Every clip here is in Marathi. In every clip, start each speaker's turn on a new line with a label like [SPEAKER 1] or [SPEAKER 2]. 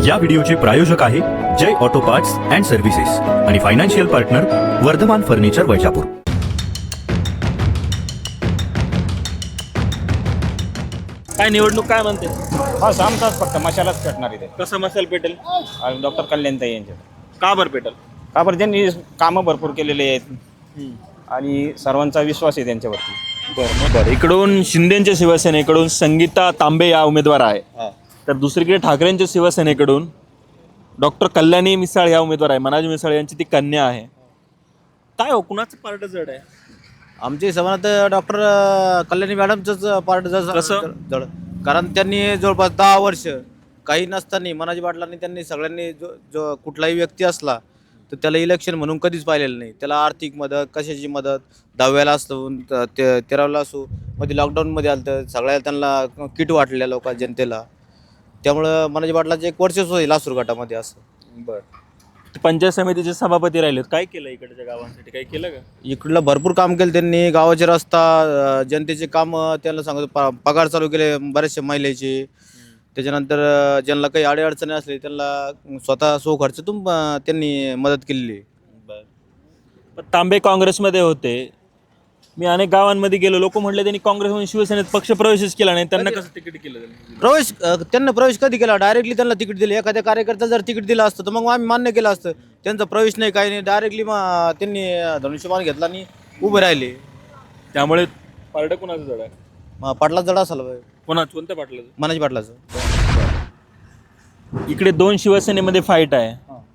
[SPEAKER 1] या व्हिडिओचे प्रायोजक आहे Jay auto parts and services आणि financial partner Vardhaman furniture Vaijapur.
[SPEAKER 2] काय निवडणूक काय म्हणते?
[SPEAKER 3] बस आमचाच फक्त मशालाच पेटणार इथे
[SPEAKER 2] कसं मसाल पेटेल?
[SPEAKER 3] आणि डॉक्टर कल्याणताई यांचे
[SPEAKER 2] का बरं पेटेल?
[SPEAKER 3] का बरं त्यांनी कामं भरपूर केलेले आहेत आणि सर्वांचा विश्वास आहे त्यांच्यावरती.
[SPEAKER 2] बरं, इकडून शिंदेच्या शिवसेनेकडून संगीता तांबे या उमेदवार आहे, तर दुसरीकडे ठाकरेंच्या शिवसेनेकडून डॉक्टर कल्याणी मिसाळ या उमेदवार आहे. मनाजी मिसाळ यांची ती कन्या आहे. काय हो, कुणाचं पार्ट जड आहे?
[SPEAKER 4] आमच्या हिशोबानं तर डॉक्टर कल्याणी मॅडमचंच पार्ट
[SPEAKER 2] कसं?
[SPEAKER 4] जड, कारण त्यांनी जवळपास 10 वर्ष काही नसताना मनाजी पाटलांनी त्यांनी सगळ्यांनी जो कुठलाही व्यक्ती असला तर त्याला इलेक्शन म्हणून कधीच पाहिलेलं नाही. त्याला आर्थिक मदत, कशाची मदत, 10व्याला असो 13व्याला असो, मध्ये लॉकडाऊनमध्ये आलं तर सगळ्या त्यांना किट वाटलेल्या लोक जनतेला. त्यामुळं मनाजी पाटलाचे एक वर्चस्व होईल लासूर गटामध्ये असं.
[SPEAKER 2] बरं, पंचायत समितीचे सभापती राहिलेत, काय केलं इकडच्या गावांसाठी? काय केलं का?
[SPEAKER 4] इकडलं भरपूर काम केलं त्यांनी. गावाचे रस्ता, जनतेचे काम, त्यांना सांगतो पगार चालू केले बऱ्याचशा महिलेचे. त्याच्यानंतर ज्यांना काही अडीअडचणी असले त्यांना स्वतः खर्चातून त्यांनी मदत केलेली.
[SPEAKER 2] पण तांबे काँग्रेसमध्ये होते. मी अनेक गावांमध्ये गेलो, लोक म्हटले त्यांनी काँग्रेसमधून शिवसेनेत पक्षप्रवेशच केला नाही, त्यांना कसं तिकीट केलं?
[SPEAKER 4] त्यांना प्रवेश कधी केला? डायरेक्टली त्यांना तिकीट दिले. एखाद्या कार्यकर्ता जर तिकीट दिलं असतं तर मग आम्ही मान्य केलं असतं. त्यांचा प्रवेश नाही, काही नाही, डायरेक्टली त्यांनी धनुष्यबाण घेतला आणि उभे राहिले.
[SPEAKER 2] त्यामुळे पारडं कुणाचं जड आहे?
[SPEAKER 4] पाटलाच जड असाल
[SPEAKER 2] कोणत्या पाटलाचं?
[SPEAKER 4] मनाजी पाटलाचं.
[SPEAKER 2] इकडे दोन शिवसेनेमध्ये फाईट आहे.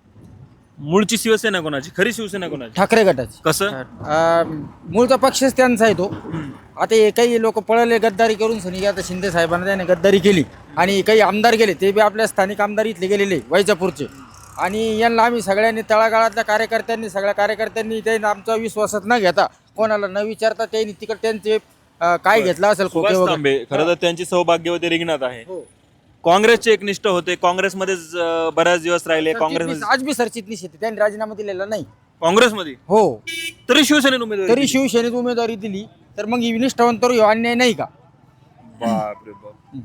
[SPEAKER 2] मूळची शिवसेना कोणाची? खरी शिवसेना कोणाची?
[SPEAKER 5] ठाकरे गटाची.
[SPEAKER 2] कसं?
[SPEAKER 5] मूळचा पक्षच त्यांचा आहे तो. आता हे काही लोक पळले गद्दारी करून सनी, आता शिंदे साहेबांना त्याने गद्दारी केली आणि काही आमदार गेले, ते बी आपल्या स्थानिक आमदार इथले गेलेले वैजापूरचे. आणि यांना आम्ही सगळ्यांनी तळागाळातल्या कार्यकर्त्यांनी, सगळ्या कार्यकर्त्यांनी त्यांनी आमचा विश्वासात न घेता, कोणाला न विचारता त्यांनी तिकडे त्यांचे काय घेतलं असेल खोके
[SPEAKER 2] सुभाष
[SPEAKER 5] वगैरे.
[SPEAKER 2] तांबे खरं तर त्यांची सौभाग्यवती रिंगणात आहे. काँग्रेसचे एकनिष्ठ होते, काँग्रेसमध्येच बऱ्याच दिवस राहिले. काँग्रेसमध्ये
[SPEAKER 5] आज बी सरचिटणीस येते, त्यांनी राजीनामा दिलेला नाही.
[SPEAKER 2] काँग्रेसमध्ये
[SPEAKER 5] हो,
[SPEAKER 2] तरी शिवसेनेत उमेदवारी
[SPEAKER 5] तरी
[SPEAKER 2] दिली.
[SPEAKER 5] शिवसेनेत उमेदवारी दिली तर मग ही निष्ठावंत अन्याय नाही का?
[SPEAKER 2] बापरे बाप.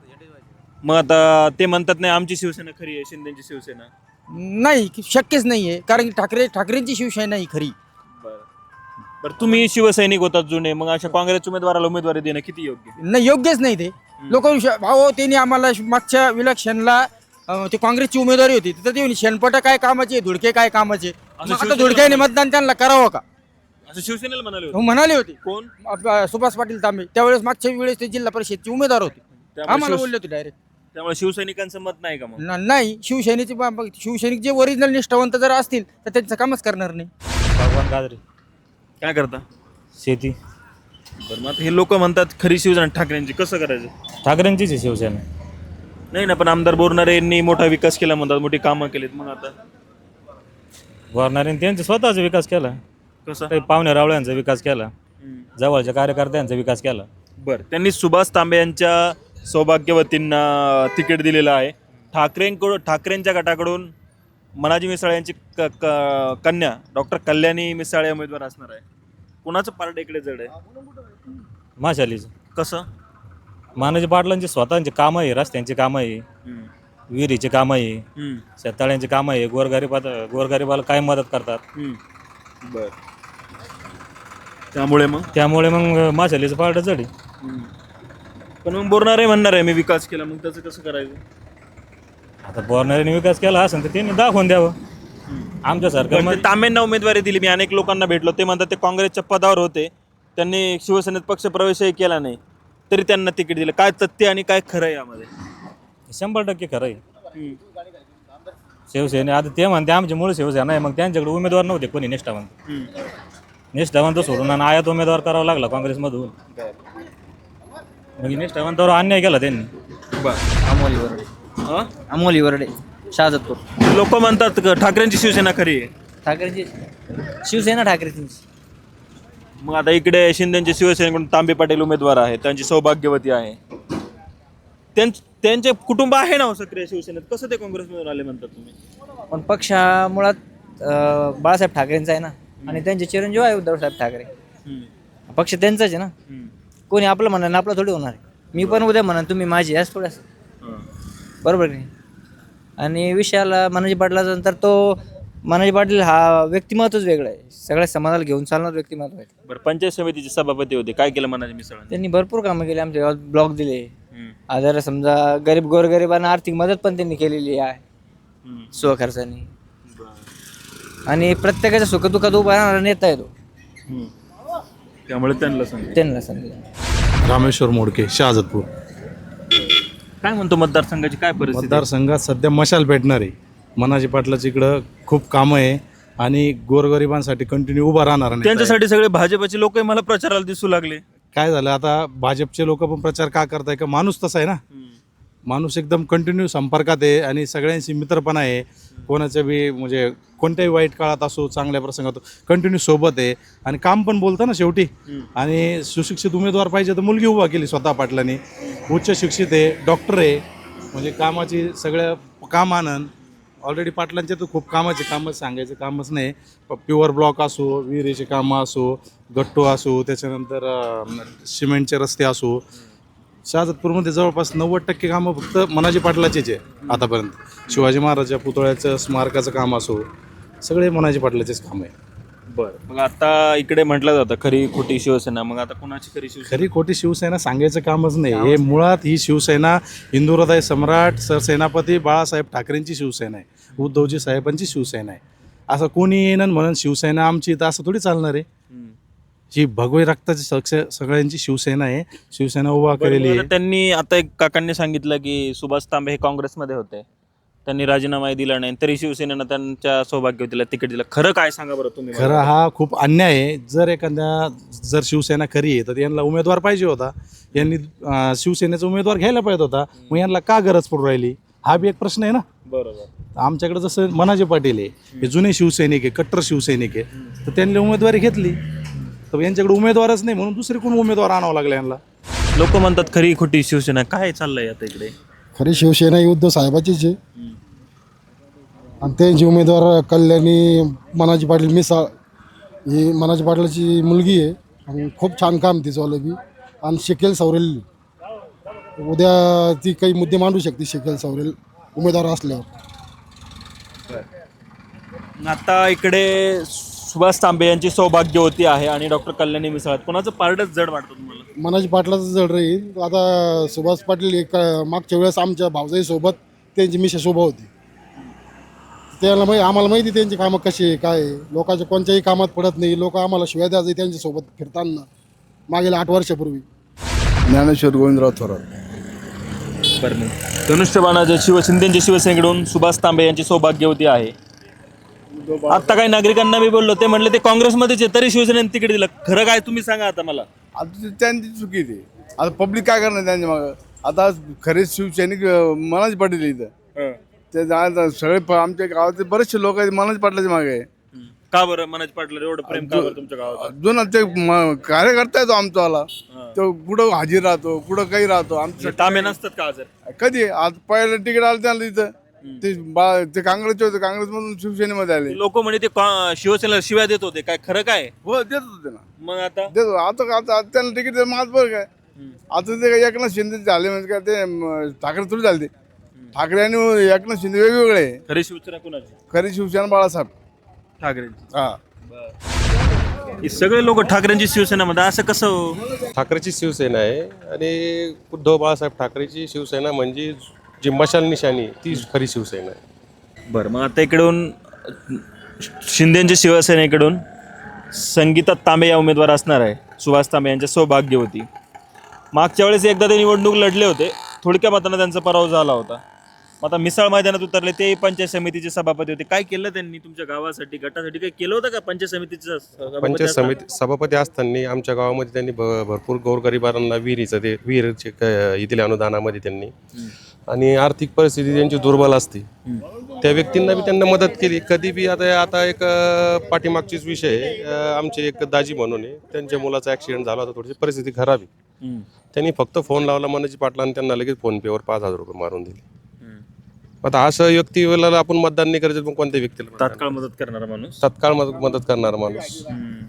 [SPEAKER 2] मग आता ते म्हणतात नाही आमची शिवसेना खरी आहे, शिंदेची शिवसेना.
[SPEAKER 5] नाही, शक्यच नाहीये, कारण की ठाकरेंची शिवसेना ही खरी.
[SPEAKER 2] बरं, तुम्ही शिवसैनिक होतात जुने, मग अशा काँग्रेस उमेदवाराला उमेदवारी देणं किती योग्य?
[SPEAKER 5] नाही, योग्यच नाही ते. लोक भाऊ त्यांनी आम्हाला मागच्या इलेक्शनला ते काँग्रेसची उमेदवारी होती, तिथं ते शेणपट काय कामाचे, धुडके काय कामाचे. मग आता धुडक्याने मतदान त्यांना करावं का
[SPEAKER 2] असं शिवसेनेला म्हणाले
[SPEAKER 5] हो
[SPEAKER 2] होते.
[SPEAKER 5] म्हणाले होते.
[SPEAKER 2] कोण?
[SPEAKER 5] सुभाष पाटील तांबे त्यावेळेस मागच्या वेळेस ते जिल्हा परिषदचे उमेदवार होते.
[SPEAKER 2] त्यामुळे
[SPEAKER 5] आम्हाला बोलले होते डायरेक्ट.
[SPEAKER 2] त्यामुळे शिवसैनिकांचं मत नाही का मग?
[SPEAKER 5] नाही, शिवसैनिक जे ओरिजिनल निष्ठावंत जर असतील तर त्यांचं कामच करणार नाही.
[SPEAKER 4] भगवान गाजरे.
[SPEAKER 2] काय करता?
[SPEAKER 4] शेती.
[SPEAKER 2] बरं, मग आता हे लोक म्हणतात खरी शिवसेना ठाकरेंची, कसं करायचं?
[SPEAKER 4] ठाकरेंचीच आहे शिवसेना.
[SPEAKER 2] नाही ना, पण आमदार बोरणारे यांनी मोठा विकास केला म्हणतात, मोठी कामं केलीत. मग आता
[SPEAKER 6] वारणाऱ्यांनी त्यांचा स्वतःचा विकास केला,
[SPEAKER 2] कसं?
[SPEAKER 6] काही पाहुण्या रावळ्यांचा विकास केला, जवळच्या कार्यकर्त्यांचा विकास केला.
[SPEAKER 2] बरं, त्यांनी सुभाष तांबे यांच्या सौभाग्यवतींना तिकीट दिलेलं आहे. ठाकरेंच्या गटाकडून मनाजी मिसाळ यांची कन्या डॉक्टर कल्याणी मिसाळ या उमेदवार असणार आहे. कुणाचं पार्ट इकडे जड आहे?
[SPEAKER 6] माशालीचं.
[SPEAKER 2] कसं?
[SPEAKER 6] मानाजी पाटलांची स्वतःची कामं आहे, रस्त्यांची कामं आहे, विहिरीची कामं आहे, शेततळ्यांची कामं आहे, गोरगरिबाला काय मदत करतात.
[SPEAKER 2] बर, त्यामुळे
[SPEAKER 6] मग माशालीचं पार्ट जड आहे.
[SPEAKER 2] पण मग बोरणारे म्हणणार आहे मी विकास केला, मग त्याचं कसं करायचं?
[SPEAKER 6] आता बोरणाऱ्यांनी विकास केला असेल तर त्यांनी दाखवून द्यावं. आमच्या सरकारमध्ये
[SPEAKER 2] तांबेंना उमेदवारी दिली. मी अनेक लोकांना भेटलो, ते म्हणतात ते काँग्रेसच्या पदावर होते, त्यांनी शिवसेनेत पक्षप्रवेशही केला नाही, तरी त्यांना तिकीट दिलं. काय तथ्य आणि काय खरं आहे यामध्ये?
[SPEAKER 6] 100% खरं आहे. शिवसेने आता ते म्हणते आमची मूळ शिवसेना आहे, मग त्यांच्याकडे उमेदवार नव्हते कोणी निष्ठावंत. निष्ठावंत सोडून आणि आयात उमेदवार करावा लागला काँग्रेसमधून. मग निष्ठावंतावर अन्याय केला त्यांनी.
[SPEAKER 5] अमोली वरडे. अमोली वरडे, शहाजतपूर.
[SPEAKER 2] लोक म्हणतात ठाकरेंची शिवसेना खरी आहे.
[SPEAKER 5] ठाकरेची शिवसेना ठाकरेची.
[SPEAKER 2] मग आता इकडे शिंदेच्या शिवसेनेकडून तांबे पाटील उमेदवार आहे, त्यांची सौभाग्यवती आहे. त्यांचे कुटुंब आहे ना सक्रिय शिवसेनेत, कसं ते काँग्रेसमधून आले म्हणतात तुम्ही?
[SPEAKER 7] पण पक्ष हा मुळात बाळासाहेब ठाकरेंचा आहे ना, आणि त्यांचे चिरंजीव आहे उद्धवसाहेब ठाकरे. पक्ष त्यांचाच आहे ना. कोणी आपलं म्हणा आपलं थोडी होणार आहे. मी पण उद्या म्हणा तुम्ही माझी, याच थोडंसं बरोबर नाही. आणि विषयाला मनाजी पाटलाचा नंतर तो मनाजी पाटील हा व्यक्तिमत्वच वेगळं आहे, सगळ्या समाजाला घेऊन चालणार व्यक्तिमत्व आहे.
[SPEAKER 2] बरं, पंचायत समितीचे सभापती होते, काय केलं मनाजी मिसळांनी?
[SPEAKER 7] त्यांनी भरपूर कामं केली, आमच्या गावात ब्लॉक दिले, आजार समजा गरीब गोरगरिबांना आर्थिक मदत पण त्यांनी केलेली आहे स्वखर्चाने. आणि प्रत्येकाच्या सुखदुःखात उभा राहणारा नेता आहे तो,
[SPEAKER 2] त्यामुळे त्यांना
[SPEAKER 7] त्यांना सांगितलं.
[SPEAKER 8] रामेश्वर मोडके, शहाजतपूर.
[SPEAKER 2] काय म्हणतो मतदारसंघाची काय परिस्थिती?
[SPEAKER 8] मतदारसंघात सध्या मशाल पेटणार आहे. मनाजी पाटलाची इकडं खूप कामं आहे आणि गोरगरिबांसाठी कंटिन्यू उभा राहणार नाही.
[SPEAKER 2] त्यांच्यासाठी सगळे भाजपचे लोक मला प्रचाराला दिसू लागले.
[SPEAKER 8] काय झालं आता, भाजपचे लोक पण प्रचार का करताय का, माणूस तसा आहे ना, माणूस एकदम कंटिन्यू संपर्कात आहे आणि सगळ्यांशी मित्रपणा आहे. कोणाच्या बी म्हणजे कोणत्याही वाईट काळात असो, चांगल्या प्रसंगात कंटिन्यू सोबत आहे आणि काम पण बोलतं ना शेवटी. आणि सुशिक्षित उमेदवार पाहिजे तर मुलगी उभा केली स्वतः पाटलांनी. उच्च शिक्षित आहे, डॉक्टर आहे, म्हणजे कामाची सगळ्या काम आनंद. ऑलरेडी पाटलांचे तर खूप कामाचे कामच सांगायचं कामच नाही. प्युअर ब्लॉक असो, विहिरीचे कामं असो, गट्टू असो, त्याच्यानंतर सिमेंटचे रस्ते असो. शहाजतपूरमध्ये जवळपास 90% कामं फक्त मनाजी पाटलाचेच आहे आतापर्यंत. शिवाजी महाराजांच्या पुतळ्याचं स्मारकाचं काम असो, सगळे मनाजी पाटलाचेच काम आहे.
[SPEAKER 2] बरं, मग आता इकडे म्हटलं जातं खरी खोटी शिवसेना, मग आता कोणाची खरी शिवसेना?
[SPEAKER 8] खरी खोटी शिवसेना सांगायचं कामच नाही. हे मुळात ही शिवसेना हिंदू हृदय सम्राट सरसेनापती बाळासाहेब ठाकरेंची शिवसेना आहे, उद्धवजी साहेबांची शिवसेना आहे. असं कोणी येणं म्हणून शिवसेना आमची, तर असं थोडी चालणार आहे. ही भगवे रक्ताची सगळ्यांची शिवसेना आहे, शिवसेना उभा केलेली आहे.
[SPEAKER 2] त्यांनी आता एक काकांनी सांगितलं की सुभाष तांबे हे काँग्रेसमध्ये होते, त्यांनी राजीनामाही दिला नाही, तरी शिवसेनेनं त्यांच्या सौभाग्यवतीला तिकीट दिलं. खरं काय सांगा बरं तुम्ही?
[SPEAKER 8] खरं हा खूप अन्याय आहे. जर शिवसेना खरी आहे तर यांना उमेदवार पाहिजे होता, यांनी शिवसेनेचा उमेदवार घ्यायला पाहिजे होता. मग यांना का गरज पडू राहिली, हा बी एक प्रश्न आहे ना.
[SPEAKER 2] बरोबर.
[SPEAKER 8] आमच्याकडे जसं मनाजी पाटील आहे, हे जुने शिवसैनिक आहे, कट्टर शिवसैनिक आहे, तर त्यांनी उमेदवारी घेतली. तर यांच्याकडे उमेदवारच नाही म्हणून दुसरे कोण उमेदवार आणावं लागला यांना.
[SPEAKER 2] लोक म्हणतात खरी खोटी शिवसेना, काय चाललंय आता इकडे?
[SPEAKER 9] खरी शिवसेना ही उद्धव साहेबाचीच आहे आणि त्यांची उमेदवार कल्याणी मनाजी पाटील मिसाळ, ही मनाजी पाटलाची मुलगी आहे आणि खूप छान काम तिचं बी. आणि शिकेल सवरेल, उद्या ती काही मुद्दे मांडू शकते शिकेल सवरेल उमेदवार असल्यावर.
[SPEAKER 2] आता इकडे सुभाष तांबे यांची सौभाग्यवती आहे आणि डॉक्टर कल्याणी मिसाळ, कोणाचं पारडच जड वाटतं तुम्हाला?
[SPEAKER 9] मनाजी पाटलाचं जड राहील. आता सुभाष पाटील एक मागच्या वेळेस आमच्या भावजाईसोबत त्यांची मिसेस उभा होती, त्याला आम्हाला माहिती त्यांची कामं कशी आहे काय आहे. लोकांच्या कोणत्याही कामात पडत नाही, लोक आम्हाला शिवाय द्यायचे त्यांच्यासोबत फिरताना मागील 8 वर्षापूर्वी.
[SPEAKER 10] ज्ञानेश्वर गोविंदराव थोरात.
[SPEAKER 2] बरं, धनुष्यबाणाच्या शिंदेच्या शिवसेनेकडून सुभाष तांबे यांची सौभाग्यवती आहे. आता काही नागरिकांना मी बोललो, ते म्हणले ते काँग्रेसमध्येच आहे, तरी शिवसेनेने तिकीट दिलं. खरं काय तुम्ही सांगा आता मला.
[SPEAKER 10] आता त्यांची चुकी ती. आता पब्लिक काय करणार त्यांच्या मागं? आता खरे शिवसैनिक मनाजी पाटील इथं ते सगळे आमच्या गावातले बरेचसे लोक आहेत मनाजी पाटलाच्या मागे आहे.
[SPEAKER 2] का बरं मनाजी पाटला एवढं प्रेम का बरं तुमच्या गावात?
[SPEAKER 10] जुना ते कार्यकर्ता आहे तो आमचावाला, तो कुठं हाजीर राहतो, कुठं काही राहतो. आमच्या
[SPEAKER 2] तांबे नसतात का जर?
[SPEAKER 10] कधी आज पहिलं तिकीट आलं त्यांना इथं ते काँग्रेसचे होते, काँग्रेसमधून शिवसेनेमध्ये आले.
[SPEAKER 2] लोक म्हणे ते शिवसेनेला शिव्या देत होते, काय खरं काय?
[SPEAKER 10] हो देत होते ना.
[SPEAKER 2] मग आता
[SPEAKER 10] देतो आता त्यांना तिकीट माझ बरं काय. आता ते एकनाथ शिंदे झाले म्हणजे काय ते ठाकरे थोडी झाले. ते ठाकरे आणि एकनाथ शिंदे वेगवेगळे आहे.
[SPEAKER 2] खरी शिवसेना कोणाची?
[SPEAKER 10] खरी शिवसेना बाळासाहेब
[SPEAKER 2] ठाकरे.
[SPEAKER 10] हा.
[SPEAKER 2] हे सगळे लोक ठाकरेंची शिवसेनामध्ये, असं कसं हो?
[SPEAKER 11] ठाकरेची शिवसेना आहे आणि उद्धव बाळासाहेब ठाकरेची शिवसेना म्हणजे जी मशाल निशाणी ती खरी शिवसेना आहे.
[SPEAKER 2] बरं, मग आता इकडून शिंदेच्या शिवसेनेकडून संगीता तांबे या उमेदवार असणार आहे, सुभाष तांबे यांच्या सौभाग्यवती. मागच्या वेळेस एकदा ते निवडणूक लढले होते, थोडक्या मतानं त्यांचा पराभव झाला होता. मग आता मिसाळ मैदानात उतरले, ते पंचायत समितीचे सभापती होते. काय केलं त्यांनी तुमच्या गावासाठी, गटासाठी काही केलं होतं का? पंचायत समितीचं
[SPEAKER 11] सभापती असताना आमच्या गावामध्ये त्यांनी भरपूर गोरगरिबांना विहिरीचे दिल्या अनुदानामध्ये त्यांनी. आणि आर्थिक परिस्थिती त्यांची दुर्बल असते, त्या व्यक्तींना बी त्यांना मदत केली कधी बी. आता एक पाठीमागचीच विषय आमचे एक दाजी म्हणून आहे, त्यांच्या मुलाचा ॲक्सिडेंट झाला होता, थोडीशी परिस्थिती खराब आहे. त्यांनी फक्त फोन लावला मनाजी पाटलांनी, त्यांना लगेच फोनपेवर 5,000 रुपये मारून दिले. आता असं व्यक्तीला आपण मतदान नाही करायचं, पण कोणत्या व्यक्तीला
[SPEAKER 2] तात्काळ मदत करणारा माणूस,
[SPEAKER 11] तात्काळ मदत करणारा माणूस.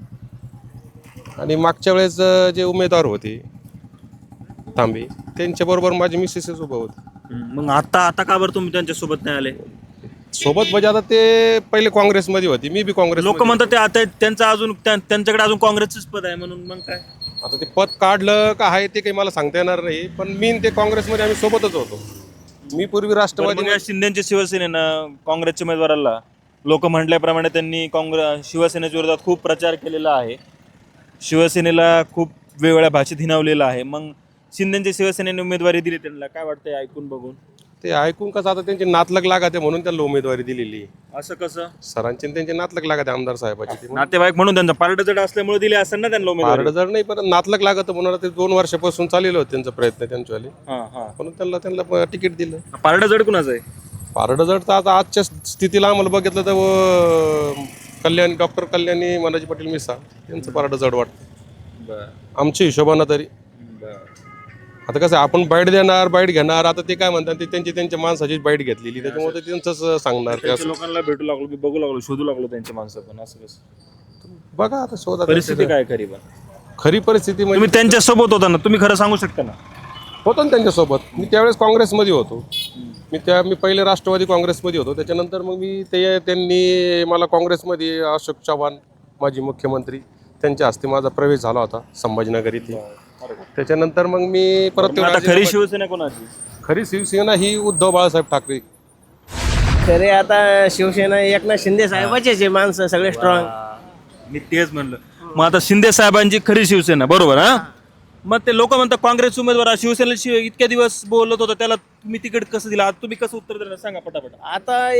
[SPEAKER 11] आणि मागच्या वेळेस जे उमेदवार होते तांबे, त्यांच्याबरोबर माझी मिसेसच उभं होती.
[SPEAKER 2] मग आता का बरं तुम्ही त्यांच्या सोबत नाही आले?
[SPEAKER 11] सोबत म्हणजे आता ते पहिले काँग्रेसमध्ये होते, मी बी काँग्रेस.
[SPEAKER 2] लोक म्हणतात ते आता त्यांच्याकडे अजून काँग्रेसच पद आहे म्हणून. मग काय
[SPEAKER 11] आता ते पद काढलं का आहे ते काही मला सांगता येणार नाही, पण मी ते काँग्रेसमध्ये आम्ही सोबतच होतो. मी पूर्वी राष्ट्रवादी.
[SPEAKER 2] मग या शिंदेच्या शिवसेनेनं काँग्रेसच्या उमेदवाराला लोक म्हटल्याप्रमाणे त्यांनी शिवसेनेच्या विरोधात खूप प्रचार केलेला आहे, शिवसेनेला खूप वेगवेगळ्या भाषेत हिणावलेलं आहे. मग शिंदेच्या शिवसेनेने उमेदवारी दिली, त्यांना काय वाटतंय ऐकून बघून?
[SPEAKER 11] ते ऐकून कसं आता त्यांचे नातलग लागत आहे म्हणून त्यांना उमेदवारी दिलेली.
[SPEAKER 2] असं कसं?
[SPEAKER 11] सरांचे आणि त्यांचे नातलग लागत आहे आमदार साहेबाचे.
[SPEAKER 2] नातेवाईक म्हणून त्यांचा पारड जड असल्यामुळे दिले असं ना त्यांना उमेदवारी.
[SPEAKER 11] जर नाही पण नातलग लागत म्हणून ते 2 वर्षापासून चाललेलं होतं त्यांचा प्रयत्न त्यांच्यावाले, म्हणून त्यांना तिकीट दिलं.
[SPEAKER 2] पारड जड कुणाचं आहे?
[SPEAKER 11] पारड जड तर आता आजच्या स्थितीला आम्हाला बघितलं तर डॉक्टर कल्याणी मनाजी पाटील मिसाळ यांचं पारड जड वाटतं आमच्या हिशोबानं तरी. आता कसं आपण बाईट देणार, बाईट घेणार, आता ते काय म्हणतात ते त्यांच्या माणसाची बाईट घेतलेली, त्याच्यामुळे ते त्यांचंच सांगणार.
[SPEAKER 2] लोकांना भेटू लागलो, बघू लागलो, शोधू लागलो त्यांच्या माणसं. पण असं कसं
[SPEAKER 11] बघा आता शोधा.
[SPEAKER 2] परिस्थिती काय
[SPEAKER 11] खरी परिस्थिती म्हणजे
[SPEAKER 2] तुम्ही त्यांच्या सोबत होता ना, तुम्ही खरं सांगू शकता ना?
[SPEAKER 11] होतो ना त्यांच्यासोबत. मी त्यावेळेस काँग्रेसमध्ये होतो. मी पहिले राष्ट्रवादी काँग्रेसमध्ये होतो, त्याच्यानंतर मग त्यांनी मला काँग्रेसमध्ये अशोक चव्हाण माजी मुख्यमंत्री त्यांच्या हस्ते माझा प्रवेश झाला होता संभाजीनगर इथे. त्याच्यानंतर मग मी परत.
[SPEAKER 2] खरी शिवसेना कोणाची?
[SPEAKER 11] खरी शिवसेना ही उद्धव बाळासाहेब ठाकरे.
[SPEAKER 7] खरे आता शिवसेना एकनाथ शिंदे साहेबाचेच आहे माणसं सगळे स्ट्रॉंग.
[SPEAKER 2] मी तेच म्हणलं. मग आता शिंदे साहेबांची खरी शिवसेना, बरोबर? हा, मग ते लोक म्हणतात काँग्रेस उमेदवार शिवसेनेला इतक्या दिवस बोलत होता, त्याला तुम्ही तिकीट कसं दिलं? आता तुम्ही कसं उत्तर देणार सांगा पटापट.
[SPEAKER 7] आता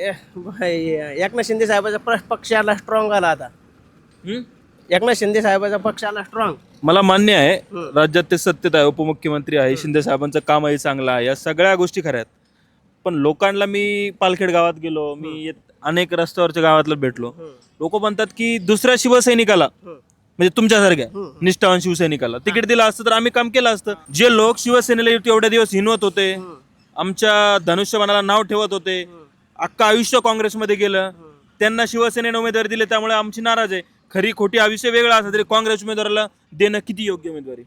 [SPEAKER 7] एकनाथ शिंदे साहेबाचा पक्षाला स्ट्रॉंग आला. आता एकनाथ शिंदे साहेबाचा पक्षाला स्ट्रॉंग.
[SPEAKER 2] मला मान्य आहे, राज्यात ते सत्तेत आहे, उपमुख्यमंत्री आहे, शिंदे साहेबांचं कामही चांगलं आहे, या सगळ्या गोष्टी खऱ्या आहेत. पण लोकांना मी पालखेड गावात गेलो, मी अनेक रस्त्यावरच्या गावातलं भेटलो, लोक म्हणतात की दुसऱ्या शिवसैनिकाला म्हणजे तुमच्यासारख्या निष्ठावान शिवसैनिकाला तिकीट दिलं असतं तर आम्ही काम केलं असतं. जे लोक शिवसेनेला एवढ्या दिवस हिनवत होते, आमच्या धनुष्यबाणाला नाव ठेवत होते, अख्खा आयुष्य काँग्रेसमध्ये गेलं, त्यांना शिवसेनेने उमेदवारी दिली, त्यामुळे आमची नाराज आहे. खरी खोटी हा विषय वेगळा असला तरी काँग्रेस उमेदवाराला देणं किती योग्य उमेदवारी?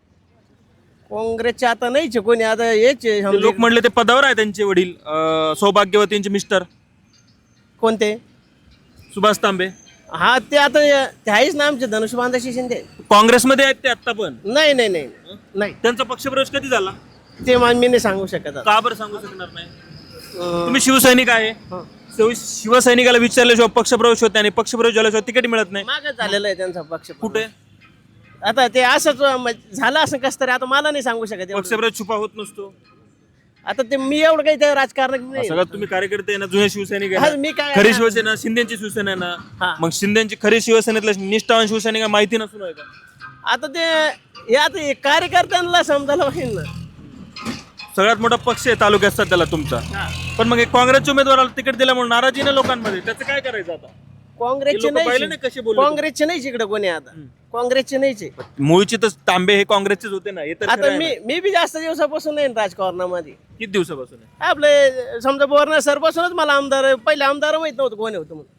[SPEAKER 7] काँग्रेसचे आता नाहीच कोणी. आता हेच
[SPEAKER 2] लोक म्हणले ते पदावर आहे त्यांचे वडील, सौभाग्यवतींचे मिस्टर.
[SPEAKER 7] कोणते?
[SPEAKER 2] सुभाष तांबे.
[SPEAKER 7] हा, ते आता ते आहेच ना आमचे धनुष्यबांधाशी शिंदे.
[SPEAKER 2] काँग्रेसमध्ये आहेत ते आता पण?
[SPEAKER 7] नाही नाही नाही नाही.
[SPEAKER 2] त्यांचा पक्षप्रवेश कधी झाला
[SPEAKER 7] ते मी नाही सांगू शकत.
[SPEAKER 2] का बरं सांगू शकणार नाही? तुम्ही शिवसैनिक आहे, शिवसैनिकाला विचारल्याशिवाय पक्षप्रवेश होत नाही, आणि पक्षप्रवेश झाल्याशिवाय तिकीट मिळत नाही.
[SPEAKER 7] मागच झालेला आहे त्यांचा पक्ष.
[SPEAKER 2] कुठे?
[SPEAKER 7] आता ते असंच झालं असं कसं तरी, आता मला नाही सांगू शकत.
[SPEAKER 2] पक्षप्रवेश छुपा होत नसतो.
[SPEAKER 7] आता ते मी एवढं काही त्या राजकारणात नाही.
[SPEAKER 2] सगळ्यात तुम्ही कार्यकर्ते आहे ना, जुने शिवसैनिक आहे
[SPEAKER 7] हा,
[SPEAKER 2] ना.
[SPEAKER 7] मी काय
[SPEAKER 2] खरी शिवसेना शिंदेची शिवसेना आहे ना, मग शिंदेची खरी शिवसेनेतल्या निष्ठावान शिवसैनिक माहिती नसून आहे का?
[SPEAKER 7] आता ते हे आता हे कार्यकर्त्यांना समजायला पाहिजे ना.
[SPEAKER 2] सगळ्यात मोठा पक्ष आहे तालुक्यात सध्याला तुमचा, पण मग काँग्रेसच्या उमेदवाराला तिकीट दिल्यामुळे नाराजी ना लोकांमध्ये, त्याचं काय करायचं आता?
[SPEAKER 7] काँग्रेसचे
[SPEAKER 2] कसे बोलले?
[SPEAKER 7] काँग्रेसचे नाहीच इकडे कोणी. आता काँग्रेसचे नाहीच.
[SPEAKER 2] मूळची तर तांबे हे काँग्रेसचेच होते ना.
[SPEAKER 7] आता मी बी जास्त दिवसापासून नाही राजकारणामध्ये.
[SPEAKER 2] किती दिवसापासून आहे?
[SPEAKER 7] आपले समजा बोरणार सरपासूनच मला आम्हाला आमदार माहित नव्हतं कोणी होतं म्हणून.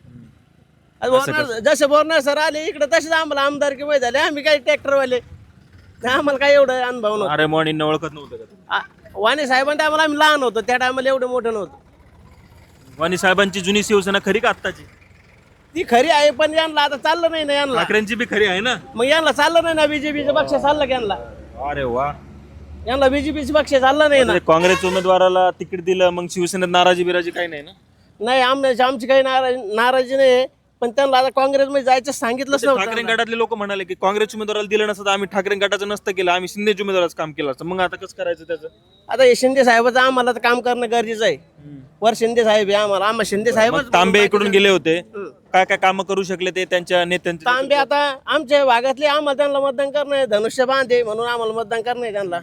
[SPEAKER 7] जसे बोरणार सर आले इकडे तसेच आम्हाला आमदार की माहित झाले. आम्ही काही ट्रॅक्टरवाले, आम्हाला काही एवढं अनुभव नव्हता.
[SPEAKER 2] अरे मॉर्निंग ओळखत नव्हतं का?
[SPEAKER 7] वाणी साहेबांच्या टायमाला आम्ही लहान होतो, त्या टायमाला एवढं मोठं नव्हतं.
[SPEAKER 2] वाणी साहेबांची जुनी शिवसेना खरी का आत्ताची?
[SPEAKER 7] ती खरी आहे, पण यांना आता चाललं नाही ना. यांना
[SPEAKER 2] ठाकरेंची बी खरी आहे ना,
[SPEAKER 7] मग यांना चाललं नाही ना. बीजेपीचं पक्ष चाललं यांना.
[SPEAKER 2] अरे वा,
[SPEAKER 7] यांना बीजेपीचं पक्ष चाललं नाही ना.
[SPEAKER 2] काँग्रेस उमेदवाराला तिकीट दिलं, मग शिवसेनेत नाराजी बिराजी काही नाही ना?
[SPEAKER 7] नाही, आमची काही नाराजी नाही, पण त्यांना आता काँग्रेसमध्ये जायचं सांगितलंच
[SPEAKER 2] ठाकरे
[SPEAKER 7] नव्हतं.
[SPEAKER 2] गटातले लोक म्हणाले की काँग्रेस उमेदवाराला दिलं नसतं, आम्ही ठाकरे गटाचं नसतं केलं, आम्ही शिंदेच्या उमेदवाराचं काम केलं असतं. मग आता कसं करायचं त्याचं?
[SPEAKER 7] आता हे शिंदे साहेबाचं आम्हाला तर काम करणं गरजेचं आहे. वर शिंदे साहेब आहे आम्हाला शिंदे साहेब.
[SPEAKER 2] तांबे इकडून गेले होते, काय काय काम करू शकले ते त्यांच्या नेत्यांचे?
[SPEAKER 7] तांबे आता आमच्या भागातले, आम्हाला त्यांना मतदान करणं आहे. धनुष्यबाण आहे म्हणून आम्हाला मतदान करणं आहे त्यांना.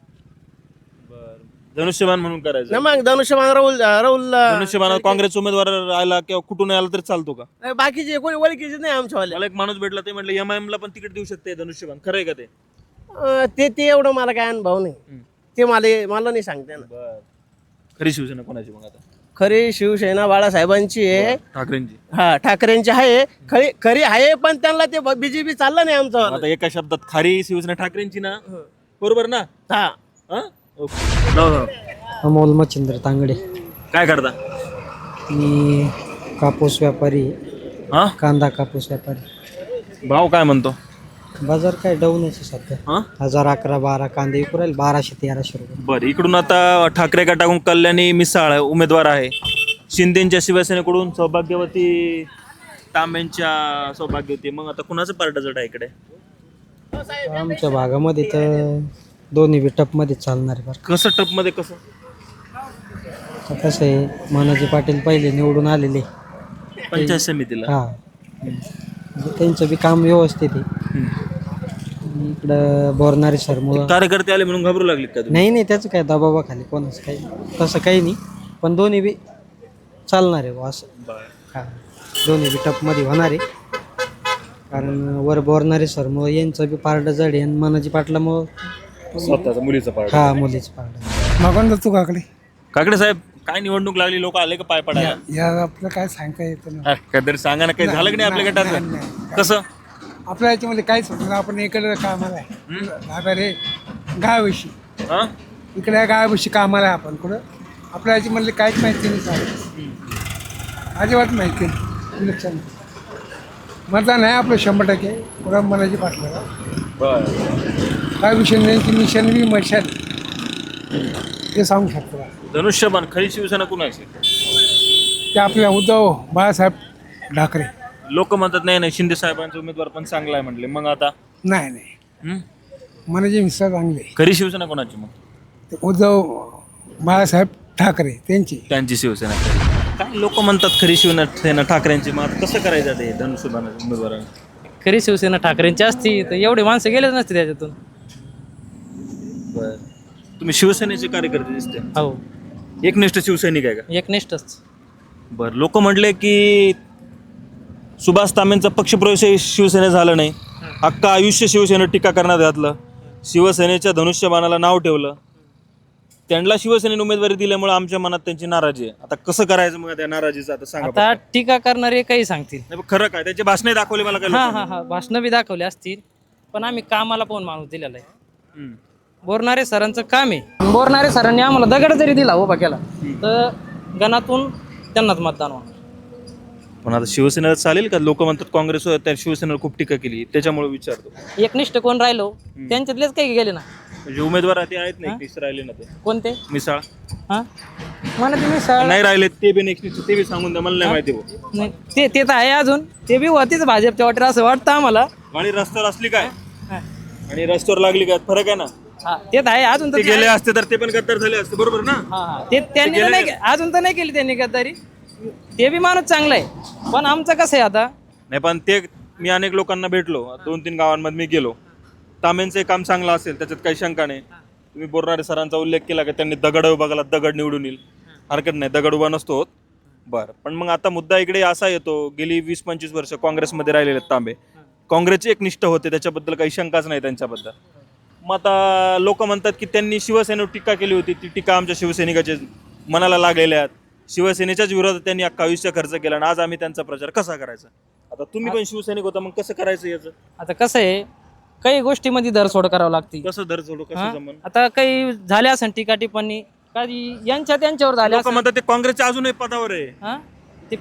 [SPEAKER 2] धनुष्यबाण म्हणून करायचं
[SPEAKER 7] ना. मग धनुष्यबाण राहुल
[SPEAKER 2] धनुष्यबाण काँग्रेस उमेदवार आला किंवा कुठून आला तरी चालतो का?
[SPEAKER 7] नाही, बाकीचे कोणी ओळखीचे नाही आमच्यावाले.
[SPEAKER 2] मला एक माणूस भेटला, ते म्हटलं एमआयएम ला पण तिकीट देऊ शकते धनुष्यबाण. खरं आहे का ते?
[SPEAKER 7] ते एवढं मला काय अनुभव नाही. ते मला नाही सांगते ना.
[SPEAKER 2] खरी शिवसेना कोणाची मग आता?
[SPEAKER 7] खरी शिवसेना बाळासाहेबांची आहे.
[SPEAKER 2] ठाकरेंची?
[SPEAKER 7] हा, ठाकरेंची आहे. खरी आहे, पण त्यांना ते बीजेपी चाललं नाही आमचं.
[SPEAKER 2] आता एका शब्दात खरी शिवसेना ठाकरेंची ना, बरोबर ना?
[SPEAKER 7] हा,
[SPEAKER 2] ओके. नाव सांगा.
[SPEAKER 7] अमोल मच्छिंद्र तांगडे.
[SPEAKER 2] काय करता?
[SPEAKER 7] मी कापूस व्यापारी,
[SPEAKER 2] हा,
[SPEAKER 7] कांदा कापूस व्यापारी.
[SPEAKER 2] भाव काय म्हणतो?
[SPEAKER 7] बाजार काय डाऊनच आहे सध्या.
[SPEAKER 2] हा,
[SPEAKER 7] 1011-12 कांदे विकू राहील 1200-1300 रुपये.
[SPEAKER 2] बरं. इकडून आता ठाकरे गटाकडून कल्याणी मिसाळ उमेदवार आहे. शिंदेच्या शिवसेनेकडून सौभाग्यवती तांब्यांच्या सौभाग्यवती. मग आता कुणाचं पार्ट जड आहे इकडे?
[SPEAKER 7] आमच्या भागामध्ये तर दोन्ही बी टपमध्ये चालणार आहे. बरं
[SPEAKER 2] कसं टपमध्ये कसं?
[SPEAKER 7] तर कसं आहे, मानाजी पाटील पहिले निवडून आलेले.
[SPEAKER 2] पंचायत समितीला.
[SPEAKER 7] हा, म्हणजे त्यांचं बी काम व्यवस्थित आहे. आणि इकडं बोरणारे सर मुलं
[SPEAKER 2] कार्यकर्ते आले म्हणून घाबरू लागले का तुम्ही?
[SPEAKER 7] नाही नाही, त्याचं काय दबावाखाली कोणाचं काही तसं काही नाही, पण दोन्ही बी चालणार आहे बुवा असं. हा, दोन्ही बी टपमध्ये होणार आहे. कारण वर बोरणारे सर मग यांचं बी पारड जड आहे आणि मानाजी पाटलामुळं
[SPEAKER 2] स्वतःचा मुलीचं पार्ट.
[SPEAKER 7] हा, मुलीचं पारड.
[SPEAKER 9] मागून तू काकडे
[SPEAKER 2] काकडे साहेब, काय निवडणूक लागली, लोक आले का पाय पडायला?
[SPEAKER 9] या आपलं काय सांगता येतं ना.
[SPEAKER 2] काहीतरी सांगा ना, काही झालं की नाही आपल्या गटात? कसं?
[SPEAKER 9] आपल्या याच्यामध्ये काहीच होत नाही. आपण इकडे कामाला आहे आता रे गायविषयी,
[SPEAKER 2] हा,
[SPEAKER 9] इकडे गायविषयी कामाला आहे आपण कुठं. आपल्या याच्यामधले काहीच माहिती नाही चालेल, अजिबात माहिती नाही. इलेक्शन मतदान आहे आपलं 100%. पुरा मनाची पाटलाला काय विषय नाही. निशाण बी मशाल ते सांगू शकतो.
[SPEAKER 2] धनुष्यबाण खरी शिवसेना कुणाची?
[SPEAKER 9] ते आपल्या उद्धव बाळासाहेब ठाकरे.
[SPEAKER 2] लोक म्हणतात नाही नाही, शिंदे साहेबांचा उमेदवार पण चांगला आहे म्हटले. मग आता
[SPEAKER 9] नाही नाही, मनाची मिस्टर चांगले.
[SPEAKER 2] खरी शिवसेना कोणाची? मग
[SPEAKER 9] ते उद्धव बाळासाहेब ठाकरे
[SPEAKER 2] त्यांची शिवसेना. काय लोक म्हणतात खरी शिवसेना ठाकरेंची. मग आता कसं करायचं ते धनुष्यबाण उमेदवार?
[SPEAKER 7] खरी शिवसेना ठाकरेंची असती तर एवढे माणसं गेलेच नसते त्याच्यातून.
[SPEAKER 2] बरं. तुम्ही शिवसेनेचे कार्यकर्ते दिसते.
[SPEAKER 7] हो,
[SPEAKER 2] एकनिष्ठ शिवसैनिक आहे का?
[SPEAKER 7] एकनिष्ठच.
[SPEAKER 2] बरं. लोक म्हटले की सुभाष तांबेंचा पक्षप्रवेश शिवसेनेत झालं नाही, अख्खा आयुष्य शिवसेनेवर टीका करण्यात घातलं, शिवसेनेच्या धनुष्यबाणाला नाव ठेवलं, त्यांना शिवसेनेने उमेदवारी दिल्यामुळे आमच्या मनात त्यांची नाराजी आहे. आता कसं करायचं मग त्या नाराजीचं? आता सांगा.
[SPEAKER 7] आता टीका करणारे काही सांगतील.
[SPEAKER 2] नाही, खरं काय त्याचे भाषणे दाखवले मला काय
[SPEAKER 7] हा
[SPEAKER 2] लोकांनी?
[SPEAKER 7] हा हा, भाषणं बी दाखवली असतील, पण आम्ही कामाला पाहून माणूस दिलेला आहे. बोरणारे सरांचं काम आहे. बोरणारे सरांनी आम्हाला दगड जरी दिला उभा केला तर गणातून त्यांनाच मतदान होणार.
[SPEAKER 2] पण आता शिवसेनेला चालेल का? लोक म्हणतात काँग्रेस त्या शिवसेनेवर खूप टीका केली, त्याच्यामुळे विचारतो.
[SPEAKER 7] एकनिष्ठ कोण राहिलो त्यांच्यातलेच काही गेले ना.
[SPEAKER 2] म्हणजे उमेदवार ते आहेत ना, एकनिष्ठ राहिले ना. ते
[SPEAKER 7] कोणते?
[SPEAKER 2] मिसाळ.
[SPEAKER 7] हा, मला ते मिसाळ
[SPEAKER 2] नाही राहिले ते बी एकनिष्ठ, ते बी सांगून द्या, मला नाही माहिती भाऊ.
[SPEAKER 7] नाही, ते तर आहे अजून. ते बी होतीच भाजपच्या वाटेवर असं वाटतं आम्हाला.
[SPEAKER 2] आणि रस्त्यावर असली काय आणि रस्त्यावर लागली काय, फरक आहे ना.
[SPEAKER 7] हा, ते तर आहे अजून.
[SPEAKER 2] ते गेले असते तर ते पण गद्दार झाले असते, बरोबर ना.
[SPEAKER 7] हा, ते त्यांनी तर नाही अजून तर नाही केली त्यांनी गद्दारी. ते बी माणूस चांगला आहे, पण आमचं कसं आहे आता.
[SPEAKER 2] नाही, पण ते मी अनेक लोकांना भेटलो, 2-3 गावांमध्ये मी गेलो. तांबेंचं काम चांगलं असेल, त्याच्यात काही शंका नाही. तुम्ही बोरणारे सरांचा उल्लेख केला की त्यांनी दगड उभा केला, दगड निवडून येईल. हरकत नाही, दगड उभा नसतो होत. बरं, पण मग आता मुद्दा इकडे असा येतो, गेली 20-25 वर्ष काँग्रेसमध्ये राहिलेले आहेत तांबे. काँग्रेसचे एकनिष्ठ होते, त्याच्याबद्दल काही शंकाच नाही त्यांच्याबद्दल. मग आता लोक म्हणतात की त्यांनी शिवसेनेवर टीका केली होती, ती टीका आमच्या शिवसैनिकाच्या मनाला लागलेल्या आहेत. शिवसेनेच्याच विरोधात त्यांनी अख्खा आयुष्य खर्च केला आणि आज आम्ही त्यांचा प्रचार कसा करायचा? आता तुम्ही पण शिवसैनिक होता, मग कसं करायचं याचं?
[SPEAKER 7] आता कसं आहे, काही गोष्टीमध्ये धरसोड करावं लागते.
[SPEAKER 2] कसं दर सोडू, कसं जमन?
[SPEAKER 7] आता काही झाल्या असेल टीका टिप्पणी, काही त्यांच्यावर झाल्या
[SPEAKER 2] लोक म्हणतात ते काँग्रेसच्या अजूनही पदावर आहे.
[SPEAKER 7] हा, ते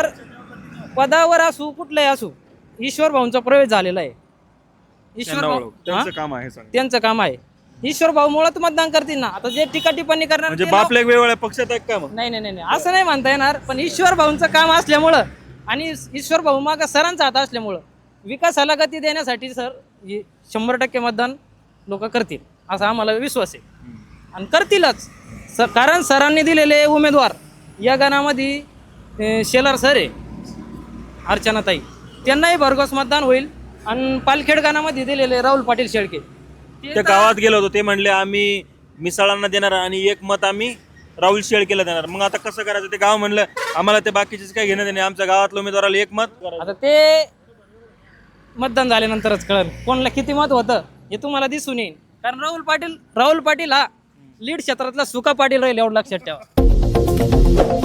[SPEAKER 7] पदावर असू कुठलंही असू, ईश्वर भाऊंचा प्रवेश झालेला आहे. ईश्वर भाऊ
[SPEAKER 2] त्यांचं काम आहे, सांग.
[SPEAKER 7] त्यांचं काम आहे. ईश्वर भाऊ मुळात मतदान करतील ना. आता जे टीका टिप्पणी करणार
[SPEAKER 2] म्हणजे बापल्या वेगवेगळ्या पक्षात आहे का? मग
[SPEAKER 7] नाही नाही नाही, असं नाही म्हणता येणार. पण ईश्वर भाऊंचं काम असल्यामुळं आणि ईश्वर भाऊ मागं सरांचा हात असल्यामुळं विकासाला गती देण्यासाठी सर 100% मतदान लोक करतील असा आम्हाला विश्वास आहे आणि करतीलच. कारण सरांनी दिलेले उमेदवार या गणामध्ये शेलार सर आहे, अर्चनाताई, त्यांनाही भरघोस मतदान होईल. आणि पालखेड गणामध्ये दिलेले राहुल पाटील शेळके,
[SPEAKER 2] त्या गावात गेलो होतो, ते म्हणले आम्ही मिसाळांना देणार आणि 1 मत आम्ही राहुल शेळकेला देणार. मग आता कसं करायचं? ते गाव म्हणलं आम्हाला ते बाकीचेच काय घेणं देणे, आमच्या गावातल्या उमेदवाराला 1 मत.
[SPEAKER 7] आता ते मतदान झाल्यानंतरच कळेल कोणाला किती मत होतं हे तुम्हाला दिसून येईल. कारण राहुल पाटील हा लीड क्षेत्रातला सुका पाटील राहील, एवढं लक्षात ठेवा.